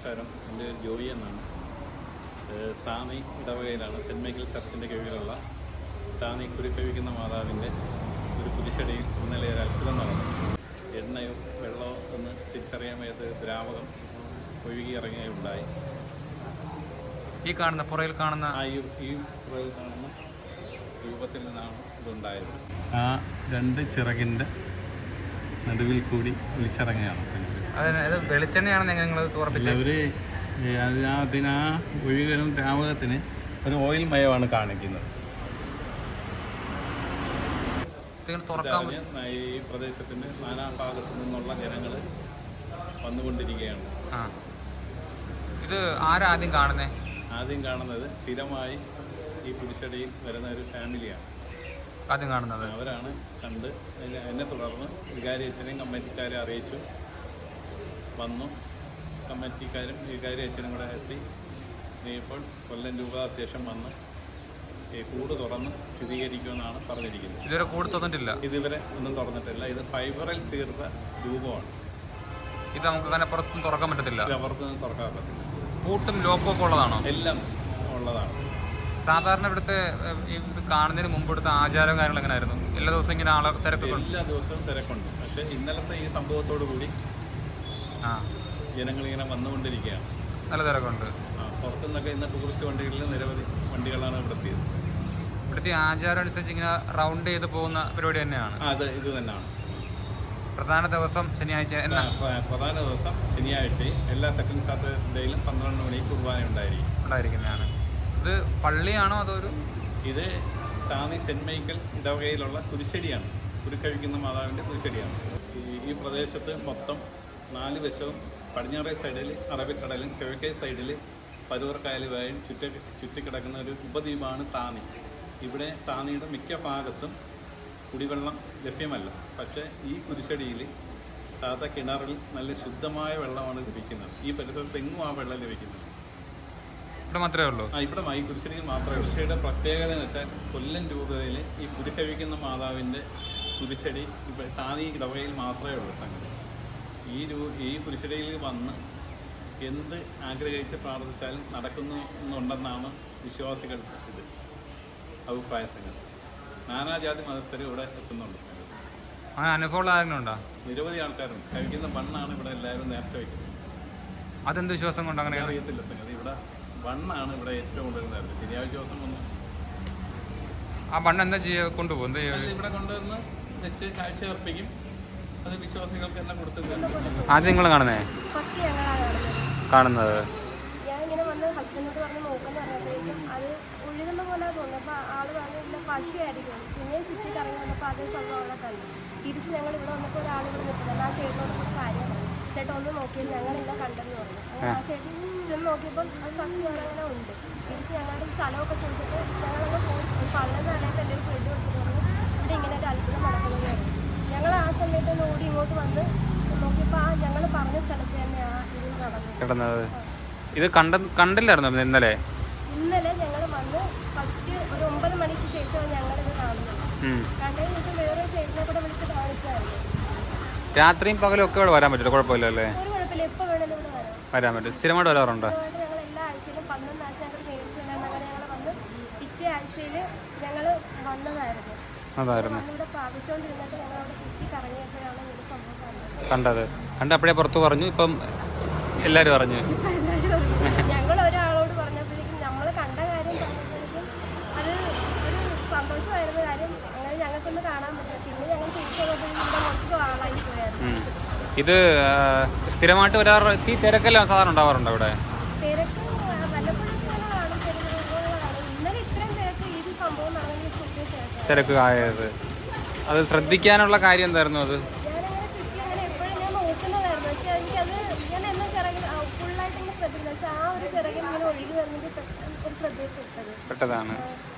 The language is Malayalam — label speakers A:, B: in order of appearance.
A: നമസ്കാരം. എൻ്റെ പേര് ജോയി എന്നാണ്. താന്നി ഇടവകയിലാണ് സെൻറ്റ് മൈക്കിൾ ചർച്ചിൻ്റെ കീഴിലുള്ള താന്നി കുരുക്കഴിക്കുന്ന മാതാവിൻ്റെ ഒരു കുരിശടിയിൽ ഇന്നലെ ഒരു അത്ഭുതം നടന്നു. എണ്ണയോ വെള്ളമോ എന്ന് തിരിച്ചറിയാൻ വയ്യാത്ത ദ്രാവകം ഒഴുകി ഇറങ്ങുകയുണ്ടായി.
B: ഈ കാണുന്ന പുറയിൽ കാണുന്ന
A: ഈ പുറയിൽ കാണുന്ന രൂപത്തിൽ നിന്നാണ് ഇതുണ്ടായത്. ആ രണ്ട് ചിറകിൻ്റെ നടുവിൽ കൂടി ഒലിച്ചിറങ്ങുകയാണ്.
B: വെളിച്ചെണ്ണയാണെന്ന് നിങ്ങൾ
A: അവർ അതിനാ ഒഴുകലും ദ്രാവകത്തിന് ഒരു ഓയിൽ മയമാണ് കാണിക്കുന്നത്. ഈ പ്രദേശത്തിൻ്റെ നാനാഭാഗത്തു നിന്നുള്ള ജനങ്ങൾ വന്നുകൊണ്ടിരിക്കുകയാണ്.
B: ഇത് ആരാദ്യം കാണുന്നത്?
A: ആദ്യം കാണുന്നത് സ്ഥിരമായി ഈ കുരിശടിയിൽ വരുന്ന ഒരു ഫാമിലിയാണ്
B: ആദ്യം കാണുന്നത്.
A: അവരാണ് കണ്ട് എന്നെ തുടർന്ന് വികാരി അച്ഛനെയും കമ്മിറ്റിക്കാരെ അറിയിച്ചു. വന്നു. കമ്മിറ്റിക്കാരും വികാരി അച്ഛനും കൂടെ എത്തി. ഇപ്പോൾ കൊല്ലം രൂപ അത്യാവശ്യം വന്ന് കൂട് തുറന്ന് സ്ഥിരീകരിക്കുമെന്നാണ് പറഞ്ഞിരിക്കുന്നത്.
B: ഇതുവരെ കൂട് തുറന്നിട്ടില്ല.
A: ഇതുവരെ ഒന്നും തുറന്നിട്ടില്ല. ഇത് ഫൈബറിൽ തീർത്ത രൂപമാണ്.
B: ഇത് നമുക്ക് അങ്ങനെ പുറത്തും തുറക്കാൻ പറ്റത്തില്ല.
A: പുറത്തൊന്നും തുറക്കാൻ പറ്റില്ല.
B: പൂട്ടും ലോക്കും ഒക്കെ ഉള്ളതാണോ?
A: എല്ലാം ഉള്ളതാണ്.
B: സാധാരണ ഇവിടുത്തെ ഇത് കാണുന്നതിന് മുമ്പ് ഇവിടുത്തെ ആചാരവും കാര്യങ്ങളും എങ്ങനെയായിരുന്നു? എല്ലാ ദിവസവും ഇങ്ങനെ ആളെ തിരക്കുണ്ട്?
A: എല്ലാ ദിവസവും തിരക്കുണ്ട്. പക്ഷേ ഇന്നലത്തെ ഈ സംഭവത്തോടു കൂടി ജനങ്ങളിങ്ങനെ വന്നുകൊണ്ടിരിക്കുകയാണ്.
B: നല്ല തിരക്കുണ്ട്.
A: പുറത്തുനിന്നൊക്കെ ഇന്ന് ടൂറിസ്റ്റ് വണ്ടികളിൽ നിരവധി വണ്ടികളാണ് ഇവിടെ എത്തിയത്.
B: ഇവിടുത്തെ ആചാരം അനുസരിച്ച് ഇങ്ങനെ റൗണ്ട് ചെയ്ത് പോകുന്ന പരിപാടി തന്നെയാണ്.
A: ഇത് തന്നെയാണ്.
B: പ്രധാന ദിവസം ശനിയാഴ്ച.
A: പ്രധാന ദിവസം ശനിയാഴ്ചയും എല്ലാ സെക്കൻഡ് സാറ്റർഡേയിലും 12 മണിക്ക് കുർബാന ഉണ്ടായിരിക്കുന്നതാണ്.
B: ഇത് പള്ളിയാണോ അതോ
A: ഇത് താന്നി സെൻറ്റ് മൈക്കിൾ ഇടവകയിലുള്ള കുരിശടിയാണ്. കുരുക്കഴിക്കുന്ന മാതാവിൻ്റെ കുരിശടിയാണ്. ഈ പ്രദേശത്ത് മൊത്തം 4 വശവും പടിഞ്ഞാറേ സൈഡിൽ അറബിക്കടലും കിഴക്കേ സൈഡിൽ പരൂർ കായലുമായും ചുറ്റിക്കിടക്കുന്ന ഒരു ഉപദ്വീപാണ് താന്നി. ഇവിടെ താന്നിയുടെ മിക്ക ഭാഗത്തും കുടിവെള്ളം ലഭ്യമല്ല. പക്ഷേ ഈ കുരിശടിയിൽ താത്ത കിണറിൽ നല്ല ശുദ്ധമായ വെള്ളമാണ് ലഭിക്കുന്നത്. ഈ പരിസരത്ത് എങ്ങും ആ വെള്ളം ലഭിക്കുന്നത്
B: ഇവിടെ മാത്രമേ ഉള്ളൂ.
A: ഇവിടെ ഈ കുരിശടിയിൽ മാത്രമേ ഉള്ളൂ. കുരിശടിയുടെ പ്രത്യേകത എന്ന് വെച്ചാൽ കൊല്ലം രൂപതയിൽ ഈ കുരുക്കഴിക്കുന്ന മാതാവിൻ്റെ കുരിശടി ഇപ്പോൾ താന്നി ഇടവകയിൽ മാത്രമേ ഉള്ളൂ സംഗതി. ഈ കുരിശടിയിൽ വന്ന് എന്ത് ആഗ്രഹിച്ച് പ്രാർത്ഥിച്ചാലും നടക്കുന്നുണ്ടെന്നാണ് വിശ്വാസികൾക്ക് ഇത് അഭിപ്രായ സംഗതി. നാനാജാതി മതസ്ഥർ ഇവിടെ എത്തുന്നുണ്ട്.
B: അനുഭവമുള്ള ആരെങ്കിലും ഉണ്ടോ?
A: നിരവധി ആൾക്കാരുണ്ട്. കഴിക്കുന്ന മണ്ണാണ് ഇവിടെ എല്ലാവരും നേർച്ച വയ്ക്കുന്നത്.
B: അതെന്ത് വിശ്വാസം കൊണ്ട് അങ്ങനെ
A: അറിയത്തില്ല സംഗതി. ഇവിടെ മണ്ണാണ് ഇവിടെ ഏറ്റവും കൂടുതൽ നേർച്ച. ശനിയാഴ്ച ദിവസം വന്നു
B: ആ മണ്ണ് എന്താ കൊണ്ടുപോകും?
A: ഇവിടെ കൊണ്ടുവന്ന് വെച്ച് കാഴ്ച അർപ്പിക്കും. അത് വിശ്വാസികൾക്ക് എല്ലാം കൊടുത്തിട്ടുണ്ട്.
B: ആദ്യം നിങ്ങൾ കാണുന്നത്
C: ഞാനിങ്ങനെ വന്ന് ഹസ്ബൻഡിനോട് പറഞ്ഞ് നോക്കുന്ന പറഞ്ഞപ്പോഴേക്കും അത് ഒഴുകുന്ന പോലെ തോന്നുന്നു. അപ്പോൾ ആൾ പറഞ്ഞില്ല പശയായിരിക്കും. പിന്നെയും ചുറ്റി കറങ്ങി വന്നപ്പോൾ അതേ സംഭവം അവിടെ കണ്ടു. തിരിച്ച് ഞങ്ങൾ ഇവിടെ വന്നപ്പോൾ ഒരാളിവിടെ നിൽക്കുന്നത്. ആ ചേട്ടനോട് ഒരു കാര്യം ചേട്ടൻ ഒന്ന് നോക്കിയത് ഞങ്ങളില്ല കണ്ടെന്ന് പറഞ്ഞു. അങ്ങനെ ആ ചേട്ടൻ ചെന്ന് നോക്കിയപ്പോൾ അത് സത്യം അങ്ങനെ ഉണ്ട്. തിരിച്ച് ഞങ്ങളുടെ സ്ഥലമൊക്കെ ചോദിച്ചിട്ട് ഞങ്ങളൊക്കെ പോയി പള്ളുന്ന അടയത്ത് എൻ്റെ ഒരു ഫ്രെഡ് കൊടുത്തിട്ട് പറഞ്ഞു ഇവിടെ ഇങ്ങനെ ഒരു അത്ഭുതം നടക്കുന്നത് പറഞ്ഞു. ഞങ്ങൾ ആ സമയത്ത് ഒന്ന് ഓടി ഇങ്ങോട്ട് വന്ന് നോക്കിയപ്പോൾ ഞങ്ങൾ പറഞ്ഞ സ്ഥലത്ത് തന്നെ ഇത് നടന്നത്.
B: ഇത് കണ്ടില്ലായിരുന്നു ഇന്നലെ
C: ഞങ്ങൾ വന്ന് ഫസ്റ്റ് ഒരു 9 മണിക്ക് ശേഷമാണ് ഞങ്ങളിത് കാണുന്നത്. കണ്ടതിന് ശേഷം വേറെ ചേട്ടനെ കൂടെ വിളിച്ച് കാണിച്ചായിരുന്നു.
B: രാത്രിയും പകലും ഒക്കെ ഇവിടെ വരാൻ പറ്റില്ല? കുഴപ്പമില്ലല്ലേ?
C: ഒരു കുഴപ്പമില്ല. എപ്പോൾ വേണമെങ്കിലും ഇവിടെ
B: വരാൻ പറ്റും. സ്ഥിരമായിട്ട് വരാറുണ്ടോ?
C: ഞങ്ങൾ എല്ലാ ആഴ്ചയിലും 11 ആഴ്ച ഞങ്ങൾ മേടിച്ചു അങ്ങനെ ഞങ്ങൾ വന്ന് പിറ്റേ ആഴ്ചയിൽ ഞങ്ങൾ വന്നതായിരുന്നു. ഇവിടെ പ്രാവശ്യമുണ്ടിരുന്നിട്ട് ഞങ്ങൾ അവിടെ ചുറ്റി കറങ്ങിയപ്പോഴാണ് ഈ സംഭവം
B: കണ്ടത്. അപ്പോഴേ പുറത്ത് പറഞ്ഞു. ഇപ്പം എല്ലാവരും പറഞ്ഞു.
C: ഞങ്ങൾ ഒരാളോട് പറഞ്ഞപ്പോഴേക്കും നമ്മൾ കണ്ട കാര്യം പറഞ്ഞപ്പോഴേക്കും അത് ഒരു സന്തോഷമായിരുന്ന കാര്യം. അങ്ങനെ ഞങ്ങൾക്കൊന്ന് കാണാൻ പറ്റില്ല. പിന്നെ ഞങ്ങൾ തിരിച്ചു വന്നപ്പോഴേക്കും മൊത്തം ആളായി പോയായിരുന്നു.
B: ഇത് സ്ഥിരമായിട്ട് വരാറെത്തി തിരക്കെല്ലാം സാധാരണ ഉണ്ടാവാറുണ്ടോ ഇവിടെ?
C: തിരക്ക് വല്ലപ്പോഴൊക്കെ കാണും. ഇന്നലെ ഇത്രയും തിരക്ക് ഈ സംഭവം നടന്നെങ്കിൽ
B: തിരക്ക് ആയത്. അത് ശ്രദ്ധിക്കാനുള്ള കാര്യം എന്തായിരുന്നു? അത്
C: ഞാനങ്ങനെ ചുറ്റി അങ്ങനെ എപ്പോഴും ഞാൻ നോക്കുന്നതായിരുന്നു. പക്ഷെ എനിക്കത് ഞാൻ എന്നാ ചിറകിൽ ഫുള്ളായിട്ട് ഇങ്ങനെ ശ്രദ്ധിക്കുന്നത്. പക്ഷെ ആ ഒരു ചിറകിൽ ഇങ്ങനെ ഒഴുകി വരുന്നത് ഒരു ശ്രദ്ധയിൽ പെട്ടതാണ്.